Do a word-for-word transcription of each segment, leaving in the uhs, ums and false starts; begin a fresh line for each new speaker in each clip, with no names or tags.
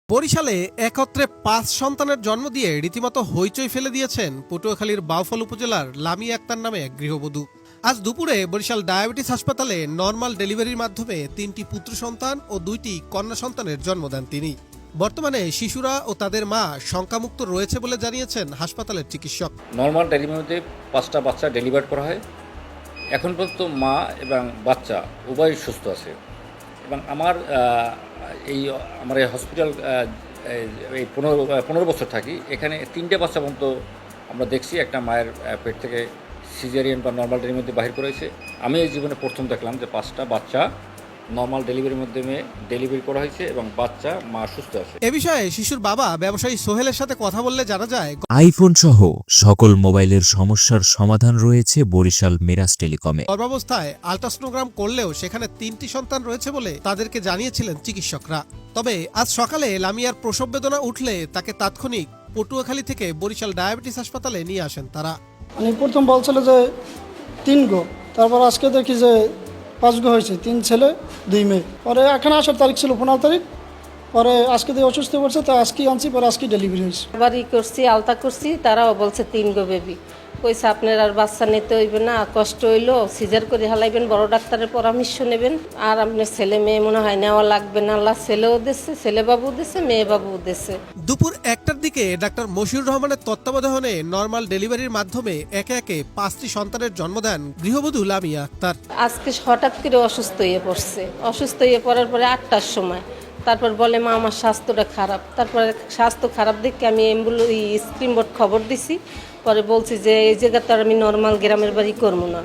বরিশালে একত্রে পাঁচ সন্তানের জন্ম দিয়ে রীতিমতো হইচই ফেলে দিয়েছেন পটুয়াখালীর বাউফল উপজেলার লামিয়া আক্তার নামে এক গৃহবধূ। আজ দুপুরে বরিশাল ডায়াবেটিস হাসপাতালে নর্মাল ডেলিভারির মাধ্যমে তিনটি পুত্র সন্তান ও দুইটি কন্যা সন্তানের জন্ম দেন তিনি। বর্তমানে শিশুরা ও তাদের মা শঙ্কামুক্ত রয়েছে বলে জানিয়েছেন হাসপাতালের চিকিৎসক।
নর্মাল ডেলিভারিতে পাঁচটা বাচ্চা ডেলিভার করা হয়। এখন পর্যন্ত মা এবং বাচ্চা উভয় সুস্থ আছে এবং আমার এই আমার এই হসপিটাল এই পনেরো পনেরো বছর থাকি, এখানে তিনটে বাচ্চা পর্যন্ত আমরা দেখছি একটা মায়ের পেট থেকে সিজারিয়ান বা নর্মাল ডেলিভারিতে বাহির করেছে। আমি এই জীবনে প্রথম দেখলাম যে পাঁচটা বাচ্চা নর্মাল ডেলিভারির মাধ্যমে ডেলিভারি করা হয়েছে এবং বাচ্চা মা সুস্থ আছে।
এ বিষয়ে শিশুর বাবা ব্যবসায়ী সোহেলের সাথে কথা বললে জানা যায়,
আইফোন সহ সকল মোবাইলের সমস্যার সমাধান রয়েছে বরিশাল মিরাজ টেলিকমে।
গর্ভাবস্থায় আল্ট্রাসোনোগ্রাম করলেও সেখানে তিনটি সন্তান রয়েছে বলে তাদেরকে জানিয়েছিলেন চিকিৎসকরা। তবে আজ সকালে লামিয়ার প্রসব বেদনা উঠলে তাকে তাৎক্ষণিক পটুয়াখালী থেকে বরিশাল ডায়াবেটিস হাসপাতালে নিয়ে আসেন তারা।
আমি প্রথম বলছিল যে তিন গো, তারপর আজকে দেখি যে পাঁচ গো হয়েছে, তিন ছেলে দুই মেয়ে। পরে এখানে আসার তারিখ ছিল পনেরো তারিখ, পরে আজকে দিয়ে অসুস্থ পড়ছে, তো আজকেই আনছি, পরে আজকে ডেলিভারি হয়েছে।
বাড়ি করছি, আলতা করছি, তারাও বলছে তিন গো বেবি। কইছে আপনার আর বাচ্চা নিতে হইবে না, কষ্ট হইলো সিজার করে হালাইবেন, বড় ডাক্তারের পরামর্শ নেবেন, আর আপনার ছেলে মেয়ে মনে হয় নেওয়া লাগবে না। আল্লাহ ছেলেও দিচ্ছে, ছেলে বাবু দিচ্ছে, মেয়ে বাবু দিচ্ছে।
দুপুর একটার দিকে ডাক্তার মশিউর রহমানের তত্ত্বাবধানে নর্মাল ডেলিভারির মাধ্যমে একে একে পাঁচটি সন্তানের জন্ম দেন গৃহবধূ লামিয়া আক্তার।
আজকে হঠাৎ করে অসুস্থ হয়ে পড়ছে। অসুস্থ হয়ে পড়ার পরে আটটার সময় তারপর বলে মা আমার স্বাস্থ্যটা খারাপ। তারপরে স্বাস্থ্য খারাপ দেখে আমি অ্যাম্বুলেন্স স্ক্রিন বোর্ড খবর দিছি। পরে বলছি যে এই জায়গাতে আর আমি নর্মাল গ্রামের বাড়ি করবো না।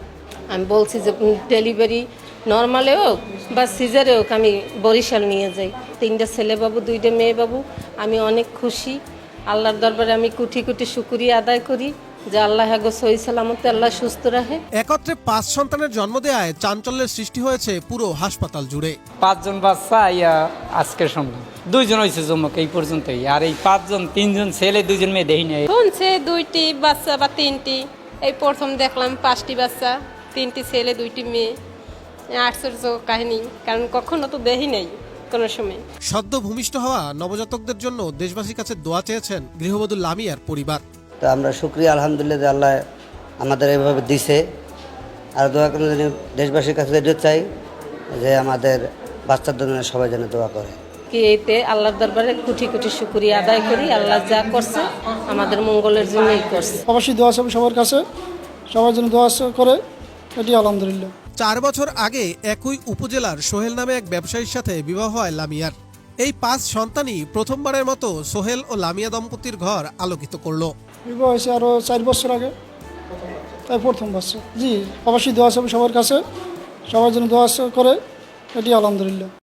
আমি বলছি যে ডেলিভারি নর্মালে হোক বা সিজারে হোক আমি বরিশাল নিয়ে যাই। তিনটা ছেলে বাবু, দুইটা মেয়ে বাবু। আমি অনেক খুশি। আল্লাহর দরবারে আমি কোটি কোটি শুকরিয়া আদায় করি যে আল্লাহ হাগো সহি সালামতে আল্লাহ সুস্থ রাখে।
একত্রে পাঁচ সন্তানের জন্ম দেওয়ায় চাঞ্চল্যের সৃষ্টি হয়েছে পুরো হাসপাতাল জুড়ে।
পাঁচজন বাচ্চা ইয়া আজকে শুনলাম দুইজন হয়েছে জমক এই পর্যন্তই, আর এই পাঁচজন তিনজন ছেলে দুইজন মেয়ে দেখি নাই।
শুনছে দুইটি বাচ্চা বা তিনটি, এই প্রথম দেখলাম পাঁচটি বাচ্চা, তিনটি ছেলে দুইটি মেয়ে। আশ্চর্য কাহিনী, কারণ কখনো তো দেখি নাই কোনো সময়।
সদ্য ভূমিষ্ঠ হওয়া নবজাতকদের জন্য দেশবাসীর কাছে দোয়া চেয়েছেন গৃহবধূ লামিয়ার পরিবার।
তো আমরা শুকরিয়া আলহামদুলিল্লাহ যে আল্লাহ আমাদের এইভাবে দিছে। আর দোয়া করে দেশবাসীর কাছে যেতে চাই যে আমাদের বাচ্চাদের জন্য সবাই যেন দোয়া করে।
কি এতে আল্লাহর দরবারে কোটি কোটি শুকরিয়া আদায় করি। আল্লাহ যা করছে আমাদের মঙ্গলের জন্যই করছে।
অবশ্যই দোয়া আছে সবার কাছে, সবার জন্য দোয়া করে, এটি আলহামদুলিল্লাহ।
চার বছর আগে একই উপজেলার সোহেল নামে এক ব্যবসায়ীর সাথে বিবাহ হয় লামিয়ার। এই পাঁচ সন্তানই প্রথমবারের মতো সোহেল ও লামিয়া দম্পতির ঘর আলোকিত করল।
বিবাহ হয়েছে আরও চার বছর আগে, তাই প্রথম বাচ্চা। জি, অবশ্যই দোয়া আছে সবার কাছে, সবার জন্য দোয়া করে, এটি আলহামদুলিল্লাহ।